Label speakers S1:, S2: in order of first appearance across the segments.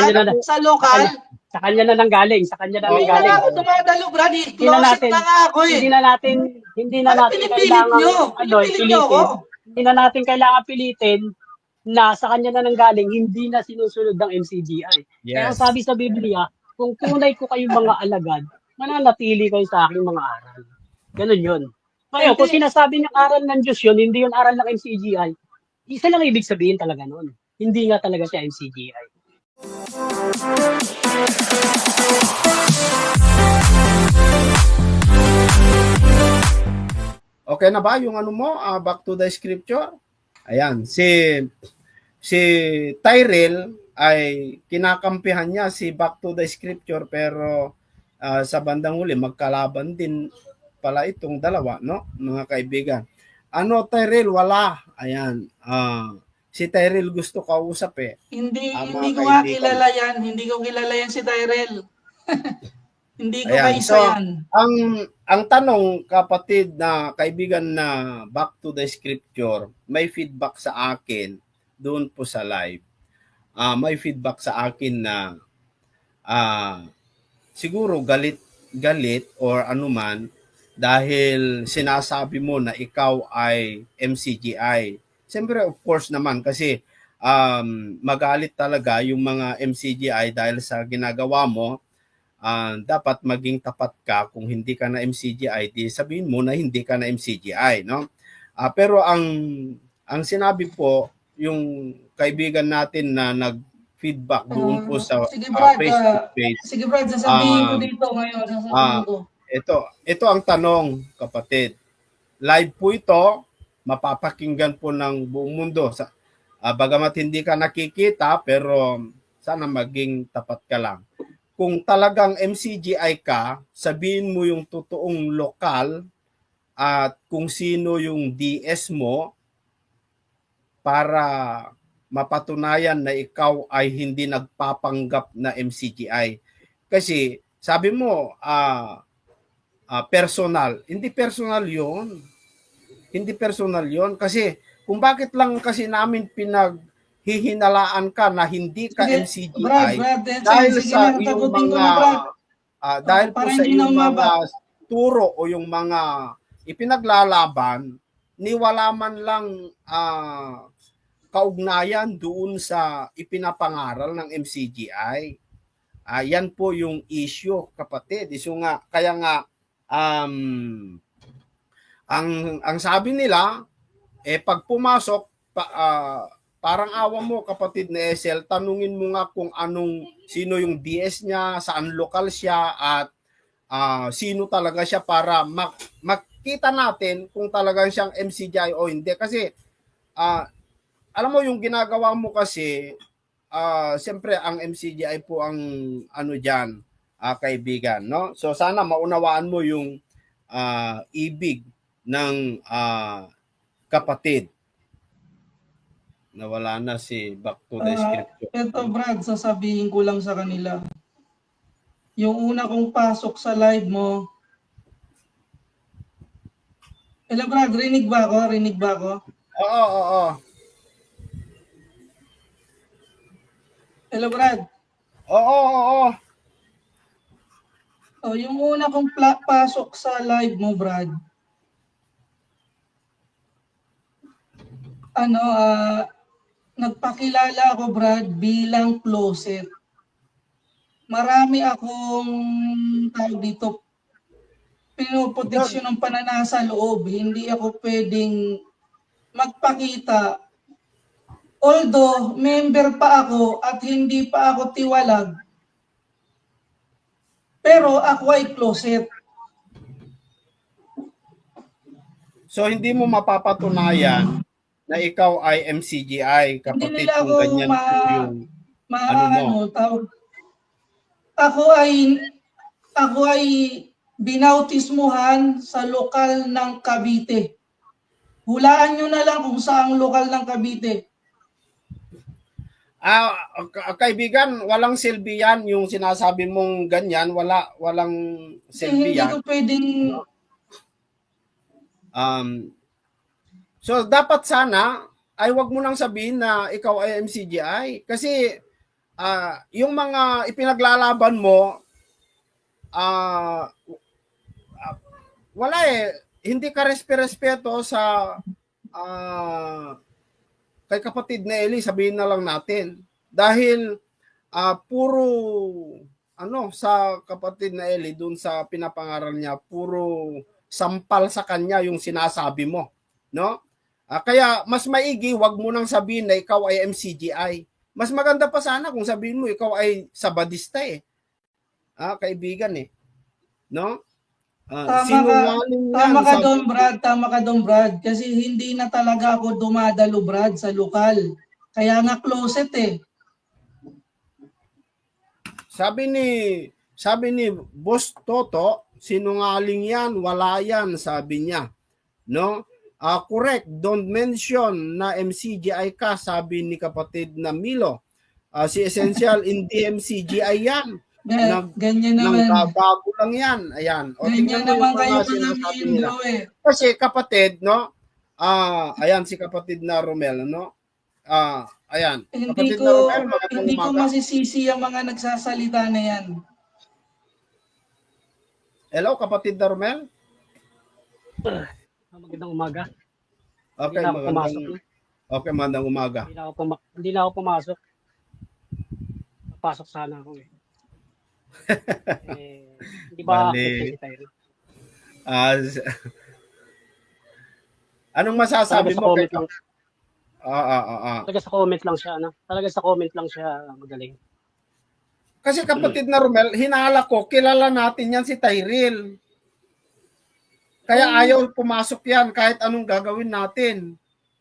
S1: sa lokal.
S2: Sa kanya na nanggaling, sa kanya na
S1: Hindi
S2: nanggaling.
S1: na ako dumadalo, Brad. Closet na nga ako eh.
S2: Hindi na natin kailangan Hindi na natin kailangan pilitin na sa kanya na nanggaling, hindi na sinusunod ng MCGI.
S3: Yes.
S2: Kaya sabi sa Biblia, kung tunay ko kayong mga alagad, mananatili kayo sa aking mga aral. Ganun yun. Ngayon, kung sinasabi ng aral ng Diyos yun, hindi yun aral ng MCGI, isa lang ibig sabihin talaga nun. Hindi nga talaga siya MCGI.
S3: Okay na ba yung ano mo? Back to the scripture? Ayan, si Tyrell ay kinakampihan niya si back to the scripture, pero sa bandang huli magkalaban din pala itong dalawa, no, mga kaibigan. Ano, Tyrell, wala. Ayan, si Tyrell gusto kausap eh.
S1: Hindi ko nga kilala yan. Hindi ko kilala yan si Tyrell. Hindi ko kaisa yan.
S3: Ang tanong, kapatid na kaibigan na back to the scripture, may feedback sa akin doon po sa live. May feedback sa akin na siguro galit or anuman dahil sinasabi mo na ikaw ay MCGI. Siyempre, of course naman, kasi magalit talaga yung mga MCGI dahil sa ginagawa mo. Dapat maging tapat ka. Kung hindi ka na MCGI, di sabihin mo na hindi ka na MCGI, no? Pero ang sinabi po, yung kaibigan natin na nag-feedback doon po sa Facebook page.
S1: Sige Brad, sasabihin ko dito ngayon.
S3: Ito ang tanong, kapatid. Live po ito, mapapakinggan po ng buong mundo. Bagamat hindi ka nakikita, pero sana maging tapat ka lang. Kung talagang MCGI ka, sabihin mo yung totoong lokal at kung sino yung DS mo para mapatunayan na ikaw ay hindi nagpapanggap na MCGI. Kasi sabi mo, personal. Hindi personal yon. Hindi personal yon. Kasi kung bakit lang kasi namin hihinalaan ka na hindi ka MCGI dahil sa iyong mga dahil po sa iyong mga turo o yung mga ipinaglalaban, ni wala man lang kaugnayan doon sa ipinapangaral ng MCGI. Yan po yung issue, kapatid. So nga, kaya nga ang sabi nila pag pumasok parang awa mo, kapatid na Esel, tanungin mo nga kung sino yung DS niya, saan lokal siya, at sino talaga siya para makita natin kung talagang siyang MCGI o hindi. Kasi, alam mo, yung ginagawa mo kasi, siyempre, ang MCGI po ang dyan, kaibigan, no? So, sana maunawaan mo yung ibig ng kapatid. Nawala na si back to the scripture.
S1: Ito Brad, sasabihin ko lang sa kanila. Yung una kong pasok sa live mo. Hello Brad, rinig ba ako?
S3: Oo.
S1: Hello Brad.
S3: Oo.
S1: Yung una kong pasok sa live mo, Brad. Nagpakilala ako, Brad, bilang closet. Marami akong pinoproteksyon ng pananasa loob. Hindi ako pwedeng magpakita. Although, member pa ako at hindi pa ako tiwalag, pero ako ay closet.
S3: So, hindi mo mapapatunayan na ikaw ay MCGI, kapatid, kung ganyan po yung mo.
S1: Ako ay binautismuhan sa lokal ng Cavite. Hulaan nyo na lang kung saang lokal ng Cavite.
S3: Kaibigan, walang silbi yan. Yung sinasabi mong ganyan, walang silbi yan.
S1: Hindi ko pwedeng...
S3: So, dapat sana ay wag mo nang sabihin na ikaw ay MCGI. Kasi yung mga ipinaglalaban mo, wala eh. Hindi ka respeto sa kay kapatid na Eli, sabihin na lang natin. Dahil puro sa kapatid na Eli, dun sa pinapangaral niya, puro sampal sa kanya yung sinasabi mo. No? Kaya mas maigi, wag mo nang sabihin na ikaw ay MCGI. Mas maganda pa sana kung sabihin mo ikaw ay sabadista eh. Kaibigan eh. No? Sinungaling yan.
S1: Tama ka doon, Brad. Tama ka doon, Brad. Kasi hindi na talaga ako dumadalo, Brad, sa lokal. Kaya nga closet eh.
S3: Sabi ni Boss Toto, sinungaling yan, wala yan, sabi niya. No? Correct, don't mention na MCGI ka, sabi ni kapatid na Milo. Si Essential, hindi MCGI yan.
S1: Ganyan naman.
S3: Nagbabago lang yan. Ayan.
S1: Ganyan naman kayo mga Milo eh.
S3: Kasi kapatid, no? Ayan si kapatid na Romel, no? Ayan.
S1: Hindi ko masisisi ang mga nagsasalita na yan.
S3: Hello, kapatid na Romel?
S2: Magandang umaga.
S3: Okay, magandang umaga.
S2: Hindi na ako pumasok. Papasok sana ako eh. Hindi ba si Tyrell?
S3: Anong masasabi mo kay
S2: Talaga sa comment lang siya, ano? Talaga sa comment lang siya magaling.
S3: Kasi kapatid na Romel, hinala ko, kilala natin yan si Tyrell. Kaya ayaw pumasok yan kahit anong gagawin natin.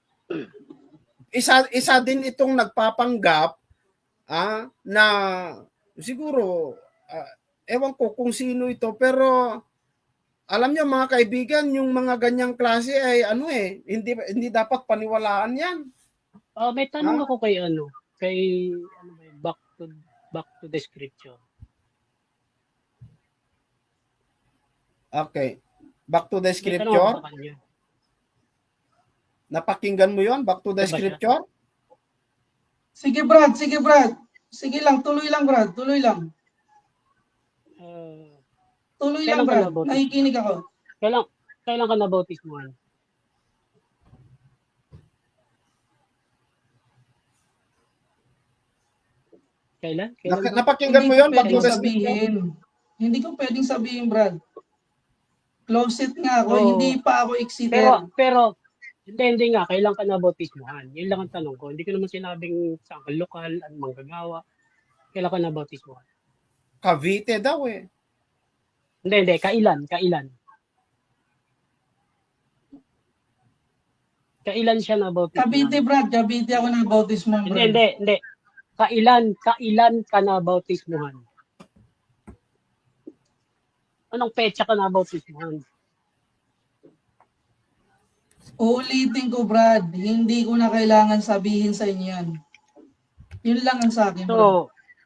S3: Isa din itong nagpapanggap na siguro ewan ko kung sino ito, pero alam niyo mga kaibigan, yung mga ganyang klase ay hindi dapat paniwalaan yan.
S2: May tanong ako kay back to the scripture.
S3: Okay. Back to the scripture. Napakinggan mo yon? Back to the scripture?
S1: Sige Brad. Sige lang, tuloy lang Brad, tuloy lang. Tuloy lang Brad, nakikinig ako.
S2: Kailan ka nabautismuhan? Kailan?
S3: Napakinggan mo yon? Back to the
S1: scripture? Hindi ko pwedeng sabihin Brad. Closet nga ako, hindi pa ako excited.
S2: Pero hindi nga, kailan ka nabautismuhan? Yun lang ang tanong ko. Hindi ko naman sinabing saan ka lokal, ang manggagawa. Kailan ka nabautismuhan?
S3: Cavite daw eh.
S2: Hindi, kailan? Kailan siya nabautismuhan?
S1: Cavite Brad, Cavite ako nabautismuhan Brad.
S2: Hindi. Kailan ka nabautismuhan? Anong petsa ka nabautismuhan?
S1: Uulitin ko, Brad. Hindi ko na kailangan sabihin sa inyo yan. Yun lang ang sa akin, Brad.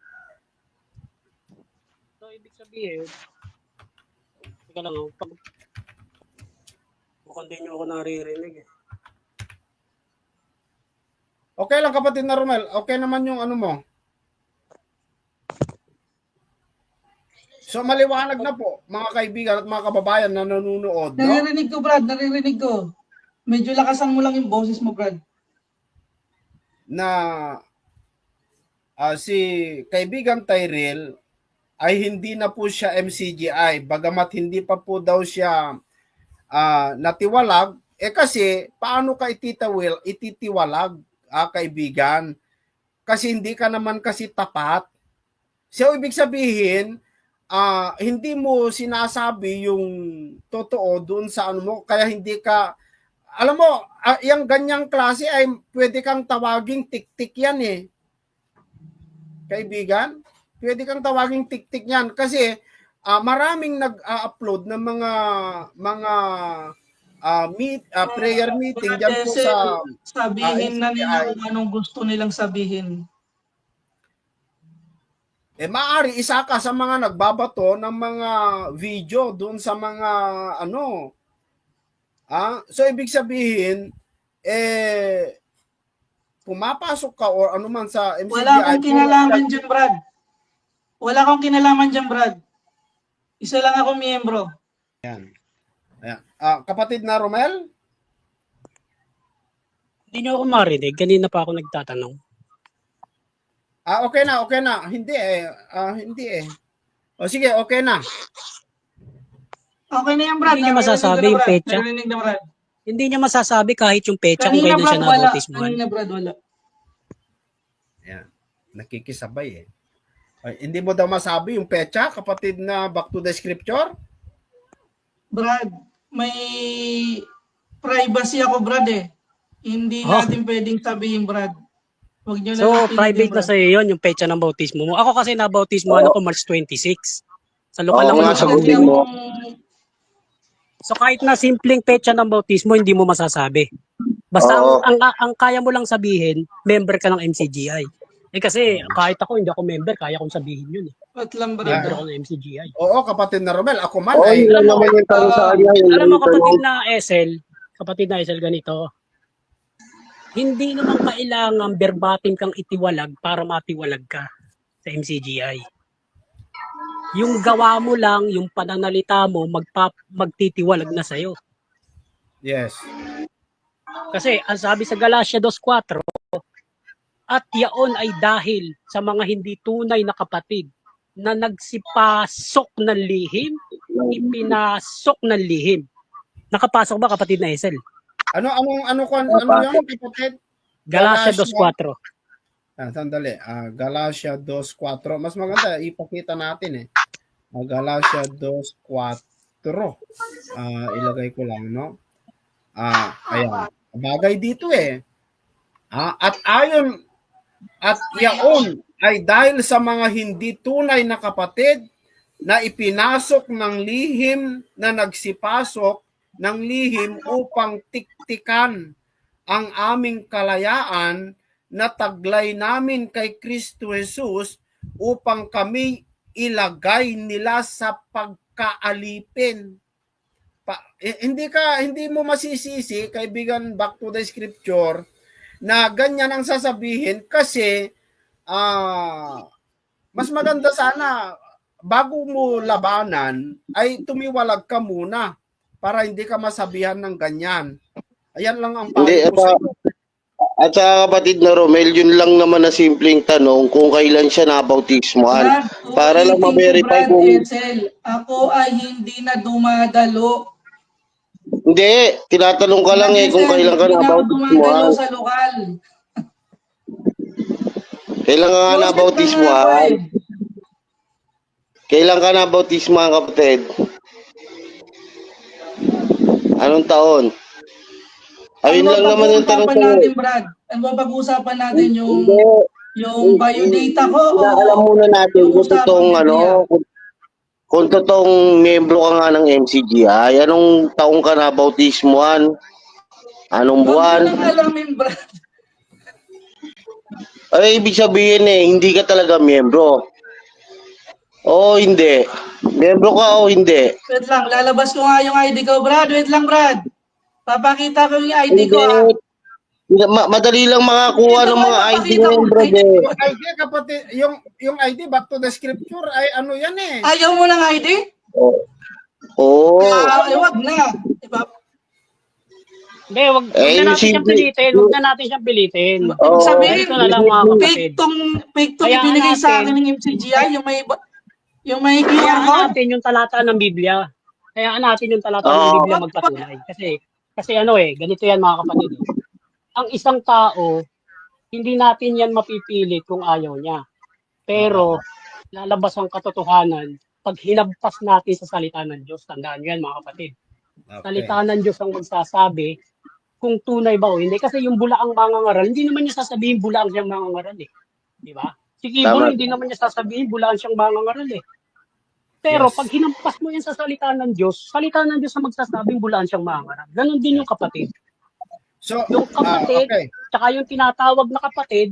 S2: So ibig sabihin, teka lang, mukhang din nyo ako naririnig eh.
S3: Okay lang kapatid na Romel. Okay naman yung ano mo. So maliwanag na po, mga kaibigan at mga kababayan na nanonood.
S1: Naririnig ko, Brad. Naririnig ko. Medyo lakasan mo lang yung boses mo, Brad.
S3: Na si kaibigan Tyrell ay hindi na po siya MCGI. Bagamat hindi pa po daw siya natiwalag. Kasi paano ka ititiwalag, kaibigan? Kasi hindi ka naman kasi tapat. So ibig sabihin, hindi mo sinasabi yung totoo doon sa ano mo, kaya hindi ka, alam mo, yung ganyang klase ay pwede kang tawaging tik-tik yan eh. Kaibigan, pwede kang tawaging tik-tik yan kasi maraming nag-upload ng mga prayer meeting dyan po sa
S1: sabihin na nila kung anong gusto nilang sabihin.
S3: Maaari isa ka sa mga nagbabato ng mga video doon sa mga so ibig sabihin pumapasok ka or ano man sa MCGI.
S1: Wala akong kinalaman dyan, Brad. Wala akong kinalaman dyan, Brad. Isa lang ako miyembro.
S3: Ayan. Kapatid na Romel?
S2: Hindi niyo ako marinig. Kanina pa ako nagtatanong.
S3: Okay na. Hindi eh. O sige, okay na.
S1: Okay na yan, Brad.
S2: Hindi niya masasabi yung petsa.
S1: Narinig na, Brad.
S2: Hindi niya masasabi kahit yung petsa kung
S1: Kanina,
S2: kailan
S1: Brad,
S2: siya
S1: wala.
S2: nabautismuhan.
S1: Kanina, Brad, wala.
S3: Ayan. Nakikisabay eh. Ay, hindi mo daw masabi yung petsa, kapatid na back to the scripture?
S1: Brad, may privacy ako, Brad eh. Hindi natin pwedeng sabihin, Brad. Huwag niyo
S2: So,
S1: lang
S2: private na sa'yo yun, yung petsa ng bautismo mo. Ako kasi nabautismuhan ako March 26. Sa lokal lang
S4: Oo nga,
S2: ako
S4: sagutin mo.
S2: So kahit na simpleng petsa ng bautismo, hindi mo masasabi. Basta
S4: Oo.
S2: ang kaya mo lang sabihin, member ka ng MCGI. Eh kasi kahit ako, hindi ako member, kaya kong sabihin yun.
S1: Ba't lang, Brad?
S2: Member ako ng MCGI.
S3: Oo, kapatid na Romel. Ako man
S4: Oo,
S3: ay...
S4: yun lang naman yung tanong sa kanya.
S2: Alam mo kapatid na SL ganito, hindi naman kailangan verbatim kang itiwalag para matiwalag ka sa MCGI. Yung gawa mo lang, yung pananalita mo, magtitiwalag na sa'yo.
S3: Yes.
S2: Kasi ang sabi sa Galatia 2:4, at yaon ay dahil sa mga hindi tunay na kapatid na nagsipasok ng lihim, ipinasok ng lihim. Nakapasok ba kapatid na Esel?
S3: Ano yung kapatid?
S2: Galatia 2:4.
S3: Sandali. Galatia 2:4. Mas maganda, ipakita natin eh. Galatia 2:4. Ilagay ko lang, no? Ayan. Bagay dito eh. At yaon ay dahil sa mga hindi tunay na kapatid na ipinasok ng lihim na nagsipasok ng lihim upang tiktikan ang aming kalayaan na taglay namin kay Kristo Jesus upang kami ilagay nila sa pagkaalipin. Hindi mo masisisi, kaibigan, back to the scripture, na ganyan ang sasabihin kasi mas maganda sana bago mo labanan ay tumiwalag ka muna para hindi ka masabihan ng ganyan. Ayan lang ang
S4: Hindi,
S3: payo ko sa'yo.
S4: at sa kapatid na Romel, yun lang naman na simpleng tanong kung kailan siya nabautismuhan. Para lang ma-verify kung...
S1: Ako ay hindi na dumadalo.
S4: Hindi, tinatanong ka lang eh kung kailan ka
S1: Hindi na ako dumadalo
S4: nabautismuhan.
S1: sa lokal.
S4: Kailan ka nga nabautismuhan? Kailan ka nabautismuhan, kapatid? Anong taon? Ayun lang naman yung tanong ko.
S1: natin, Brad? Ano ba pag-uusapan natin yung biodata ko?
S4: Alam muna natin kung totoong kung totoong membro ka nga ng MCGI, anong taong ka na bautismuhan? Anong buwan?
S1: Huwag mo lang alamin, Brad.
S4: Ay, ibig sabihin hindi ka talaga membro. Oo, hindi. Membro ka o hindi?
S1: Wait lang, lalabas ko nga yung ID ko, Brad. Wait lang, Brad. Papakita ko yung ID ko, ha?
S4: Madali lang makakuha ng mga ID ngayon, brad eh.
S3: Yung ID, kapatid, yung ID back to the scripture ay ano yan eh.
S1: Ayaw mo ng ID?
S4: Oo.
S1: Wag na. Diba?
S2: Hindi, wag na natin siyang pilitin. Wag na natin siyang pilitin.
S1: Sabihin,
S2: Ito na lang mga kapatid.
S1: fake tong
S2: Kaya
S1: ibinigay sa
S2: natin-
S1: akin ng MCGI, yung may QR
S2: Kaya
S1: code.
S2: natin yung talata ng Biblia. Kaya natin yung talata ng Biblia magpatunay. Kasi ganito yan mga kapatid. Ang isang tao, hindi natin yan mapipilit kung ayaw niya. Pero, lalabas ang katotohanan pag hinagpas natin sa salita ng Diyos. Tandaan nyo yan mga kapatid. Salita ng Diyos ang magsasabi kung tunay ba o hindi. Kasi yung bulaang mangangaral, hindi naman niya sasabihin bulaang siyang mangangaral eh. Di ba? Si Kibon, hindi naman niya sasabihin bulaang siyang mangangaral eh. Pero pag hinampas mo yan sa salita ng Diyos ang magsasabing bulaan siyang mangangaral. Ganon din yung kapatid.
S3: So,
S2: Yung kapatid, tsaka yung tinatawag na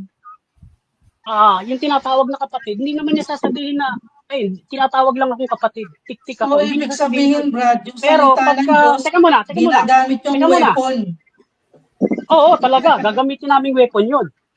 S2: kapatid, hindi naman niya sasabihin na, tinatawag lang akong kapatid. Tik-tik
S1: So,
S2: ako. Hindi
S1: ibig
S2: niya sasabihin
S1: sabihin, Brad, yung
S2: Pero
S1: salita ng
S2: pagka,
S1: Diyos,
S2: teka muna.
S1: ginagamit yung
S2: Teka muna.
S1: weapon.
S2: Oo, talaga. Gagamitin namin weapon yun.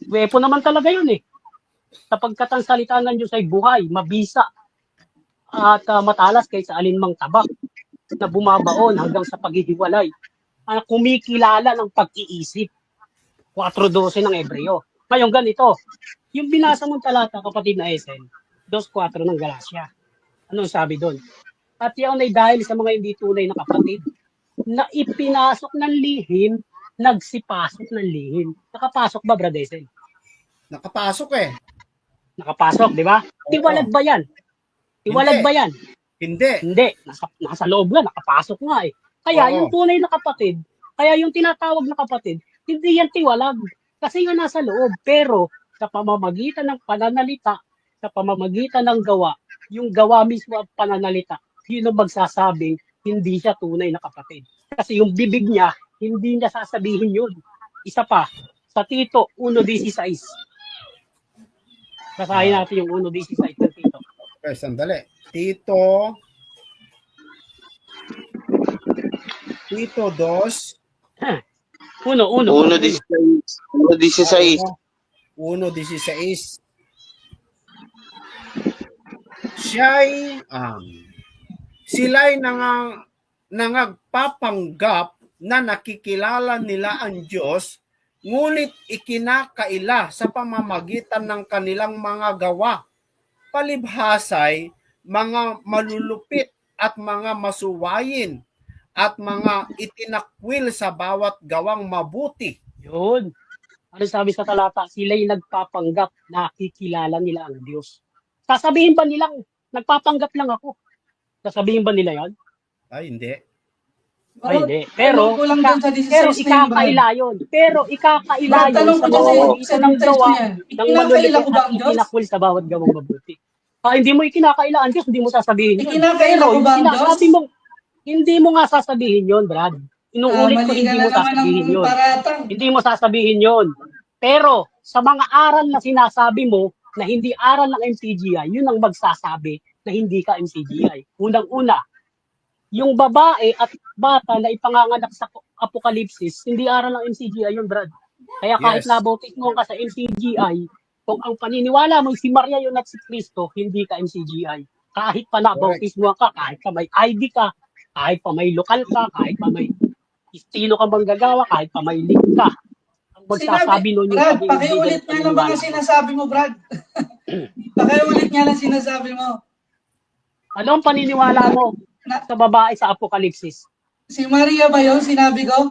S2: Weapon naman talaga yun eh. Sapagkat ang salita ng Diyos ay buhay, mabisa, at matalas kaysa alinmang tabak na bumabaon hanggang sa paghihiwalay. Kumikilala ng pag-iisip. 4:12 ng Hebreo. Ngayon ganito, yung binasa mong talata, kapatid na Esen, 2:4 ng Galacia. Anong sabi doon? At yan ay dahil sa mga hindi tunay na kapatid na ipinasok ng lihim, nagsipasok ng lihim. Nakapasok ba, Brad Esen?
S3: Nakapasok eh.
S2: Nakapasok, di ba? Tiwalag ba yan? Tiwalag
S3: Hindi.
S2: ba yan?
S3: Hindi.
S2: Hindi. Nasa loob nga, nakapasok nga eh. Kaya
S3: Oo.
S2: yung tunay na kapatid, kaya yung tinatawag na kapatid, hindi yan tiwalag. Kasi nga nasa loob. Pero sa pamamagitan ng pananalita, sa pamamagitan ng gawa, yung gawa mismo at pananalita, yun ang magsasabing hindi siya tunay na kapatid. Kasi yung bibig niya, hindi niya sasabihin yun. Isa pa, sa Tito 1:16. Basahin natin yung 1:16 ng Tito.
S3: Okay, sandali. Tito 2.
S4: 1:16.
S3: 1:16. Siya'y sila'y nangagpapanggap na nakikilala nila ang Diyos, ngunit ikinakaila sa pamamagitan ng kanilang mga gawa. Palibhasay, mga malulupit at mga masuwayin at mga itinakwil sa bawat gawang mabuti.
S2: Yun. Ano sabi sa talata? Sila'y nagpapanggap na nakikilala nila ang Diyos. Sasabihin ba nilang, nagpapanggap lang ako? Sasabihin ba nila yan?
S3: Ay, hindi.
S2: Ay, hindi. Pero,
S1: kulang doon sa 16
S2: pero
S1: na yun,
S2: ikakaila yun. Pero ikakaila
S1: Brad,
S2: yun
S1: tanong
S2: sa
S1: ko dyan sa
S2: pamamagitan ng gawa
S1: yan.
S2: ng
S1: Ikinakaila ko
S2: malulupit
S1: ba
S2: at
S1: ang Diyos?
S2: itinakwil sa bawat gawang mabuti. Hindi mo ikinakaila ang Diyos, hindi mo sasabihin yun.
S1: Ikinakaila ko ba ang Diyos?
S2: Sinasabi mo, hindi mo nga sasabihin yun, Brad. Inuulit ko,
S1: Mali
S2: hindi
S1: ka
S2: mo
S1: na naman
S2: sasabihin
S1: ng
S2: yun.
S1: paratang.
S2: Hindi mo sasabihin yun. Pero sa mga aral na sinasabi mo na hindi aral ng MCGI, yun ang magsasabi na hindi ka MCGI. Unang-una, yung babae at bata na ipanganganak sa Apokalipsis, hindi aral ng MCGI yun, Brad. Kaya kahit
S3: Yes.
S2: nabautismo ka sa MCGI, kung ang paniniwala mo si Maria yun at si Cristo, hindi ka MCGI. Kahit pa nabautismo ka, kahit pa may ID ka, kahit pa may lokal ka, kahit pa may sino ka bang gagawa, kahit pa may link ka. Ang magsasabi nun yung
S1: Brad,
S2: pagiging
S1: pakiulit
S2: legal
S1: nga lang mga sinasabi mo, Brad. Pakiulit nga lang sinasabi mo.
S2: Ano ang paniniwala mo sa babae sa Apokalipsis?
S1: Si Maria ba yun? Sinabi ko?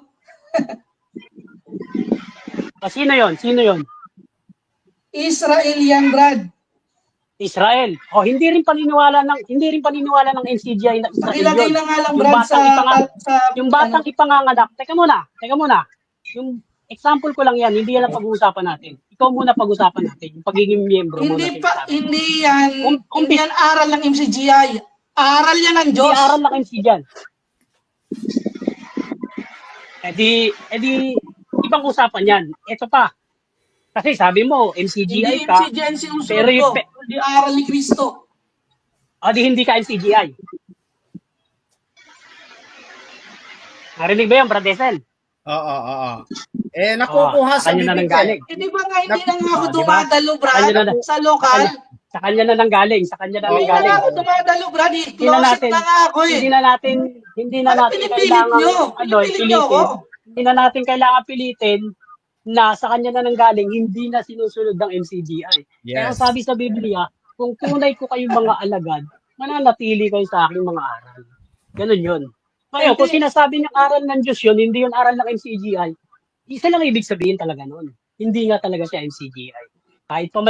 S2: Sino yon? Sino yon?
S1: Israel yan, Brad.
S2: Israel. Hindi rin paniniwala ng NCGI na Israel
S1: Pakilagay
S2: yun.
S1: na nga lang,
S2: Yung
S1: Brad,
S2: yung batang ipanganganak. Teka muna. Yung example ko lang yan, hindi yan ang pag-uusapan natin. Ikaw muna pag-usapan natin, yung pagiging miyembro mo.
S1: Hindi yan aral ng MCGI. Aral yan ng Diyos.
S2: Hindi aral ng MCGI. Edi, ibang usapan yan. Ito pa. Kasi sabi mo, MCGI
S1: Hindi
S2: ka.
S1: MCGI ang sinusunod
S2: pero
S1: ko. Hindi aral ni Cristo.
S2: Di hindi ka MCGI. Narinig ba yan, Brad Desel?
S3: Oo. Nakukuha sa
S2: kanya na
S3: bibig
S2: nanggaling.
S1: Di ba nga hindi na nga ako
S2: Diba?
S1: dumadalo, Brad, sa lokal?
S2: Sa kanya na nanggaling.
S1: Hindi na nga ako dumadalo, Brad. Closet na nga ako eh.
S2: Hindi na natin
S1: Pinipilit
S2: kailangan
S1: nyo? Pinipilit nyo ako?
S2: Hindi na natin kailangan pilitin na sa kanya na nanggaling, hindi na sinusunod ng MCGI. Kaya
S3: Yes.
S2: sabi sa Biblia, kung tunay ko kayong mga alagad, mananatili kayo sa aking mga aral. Ganun yun. Ngayon, kung sinasabi niyang aral ng Diyos yun, hindi yun aral ng MCGI, isa lang ibig sabihin talaga nun. Hindi nga talaga siya MCGI. Kahit pa may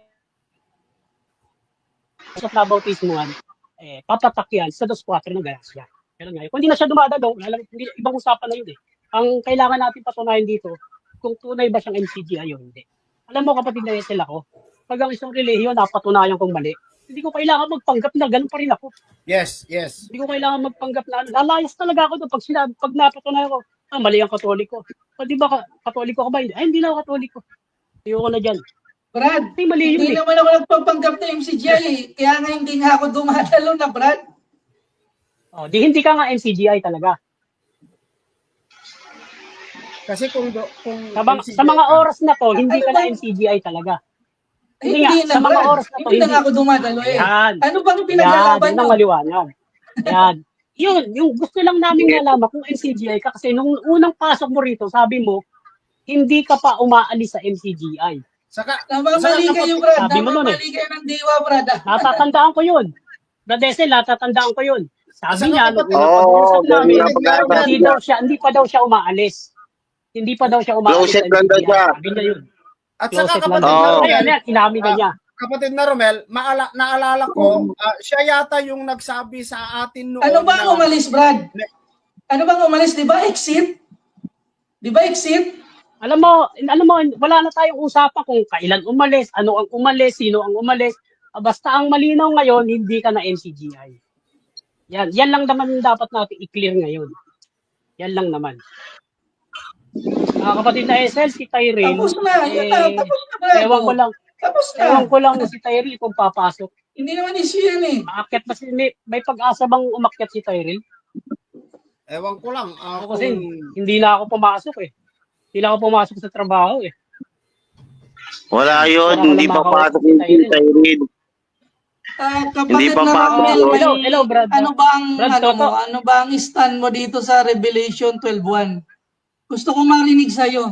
S2: sa nabautismuhan, papatak yan sa 2:4 ng Galacia. Ganun nga. Kung hindi na siya dumadalo, ibang usapan na yun eh. Ang kailangan natin patunayan dito, kung tunay ba siyang MCGI o hindi. Alam mo kapatid na Esel ako, pag ang isang relihiyon napatunayan kong mali, hindi ko kailangan magpanggap na ganun pa rin ako.
S3: Yes.
S2: Hindi ko kailangan magpanggap na lalayas talaga ako doon pag napatunayan ko, mali ang Katoliko. Di ba Katoliko ka ba? Hindi na ako Katoliko. Ayoko na dyan.
S1: Brad,
S2: Mali
S1: hindi naman ako nagpapanggap na MCGI eh. Kaya nga hindi nga ako dumadalo na, Brad.
S2: Di hindi ka nga MCGI talaga.
S3: Kasi kung
S2: Sa mga oras na to, hindi ka na NCGI talaga. Hindi nga, sa mga
S1: Brad.
S2: oras na to,
S1: Hindi na nga ako dumadalo eh.
S2: Ayan.
S1: Ano bang
S2: Yan,
S1: pinaglalaban
S2: yan ang
S1: nyo?
S2: maliwanag. Yan. Yun, yung gusto lang namin nalaman kung NCGI ka kasi nung unang pasok mo rito, sabi mo, hindi ka pa umaalis sa NCGI.
S3: Saka
S1: Namamali kayo, Brad.
S2: Sabi mo nun eh.
S1: Namamali kayo ng diwa, Brad.
S2: Natatandaan ko yun. Brad Desel, natatandaan ko yun. Sabi
S3: Saka
S2: niya, nung
S3: kapatid-
S2: unang
S4: Oo,
S2: pag-uusap namin,
S4: ganun ang
S2: hindi pa daw siya umaalis. Hindi pa daw siya umaalis
S4: Closet
S2: sa
S4: lang daw
S2: NCGI.
S4: siya.
S2: Sabi niya yun.
S3: At saka
S2: Closet lang
S3: kapatid
S2: daw.
S3: na
S4: Oo.
S2: Ayun,
S3: Romel,
S2: inamin ka niya.
S3: kapatid na Romel, naalala ko, siya yata yung nagsabi sa atin noon
S1: Ano ba ang
S3: na-
S1: umalis, Brad? Ano bang umalis? Di ba exit? Di ba exit?
S2: Alam mo, wala na tayong usapan kung kailan umalis, ano ang umalis, sino ang umalis. Basta ang malinaw ngayon, hindi ka na NCGI. Yan lang naman dapat natin i-clear ngayon. Yan lang naman. Kapatid na SL, si Tyrell,
S1: Tapos na. Yun na. Tapos na, Brad.
S2: ewan ko lang,
S1: Tapos na.
S2: si Tyrell kung papasok.
S1: Hindi naman issue yan eh.
S2: Maakyat ba may pag-asa bang umakyat si Tyrell?
S3: Ewan ko lang.
S2: Ako kasi hindi na ako pumasok eh. Hindi na ako pumasok sa trabaho eh.
S4: Wala
S2: Wala
S4: yun,
S2: ka
S4: hindi
S2: lang
S4: pa
S2: makakausap
S4: pasok
S2: ni
S4: yung
S2: Tyrell.
S4: Tyrell. Hindi
S1: Kapatid
S4: pa
S1: na
S4: pasok
S1: Ramel,
S4: yun.
S2: Hello, Brad.
S1: ano ba ang
S2: Brad
S1: ano
S2: Toto.
S1: mo? Ano ba ang stand mo dito sa Revelation 12:1? Gusto ko marinig sa iyo.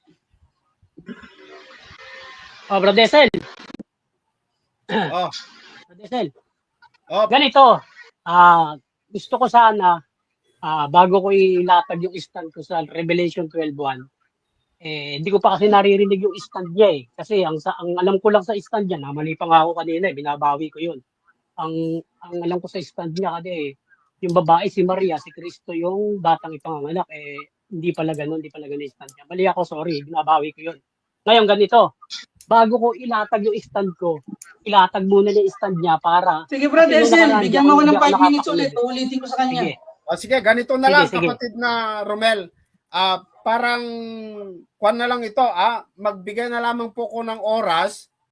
S2: Brad Desel.
S3: Oh,
S2: Brad Desel.
S3: oh,
S2: Ganito, gusto ko sana, bago ko ilatag yung stand ko sa Revelation 12:1, hindi ko pa kasi naririnig yung stand niya eh. Kasi ang alam ko lang sa stand niya, mali pa nga ako kanina eh, binabawi ko yun. Ang alam ko sa stand niya kasi yung babae si Maria, si Kristo yung batang ipanganganak, hindi pala ganun yung stand niya. Mali ako, sorry, binabawi ko yun. Ngayon ganito, bago ko ilatag yung stand ko, ilatag muna yung stand niya para...
S1: Sige, Brad
S2: kasi nung
S1: Esel,
S2: nakaraan,
S1: bigyan mo ako ng
S2: hindi
S1: 5 minutes
S2: nakakakinig.
S1: ulit. Uulitin ko sa kanya.
S2: Sige.
S3: sige, ganito na
S2: Sige,
S3: lang,
S2: sige.
S3: kapatid na Romel. Parang kwan na lang ito, magbigay na lamang po ko ng oras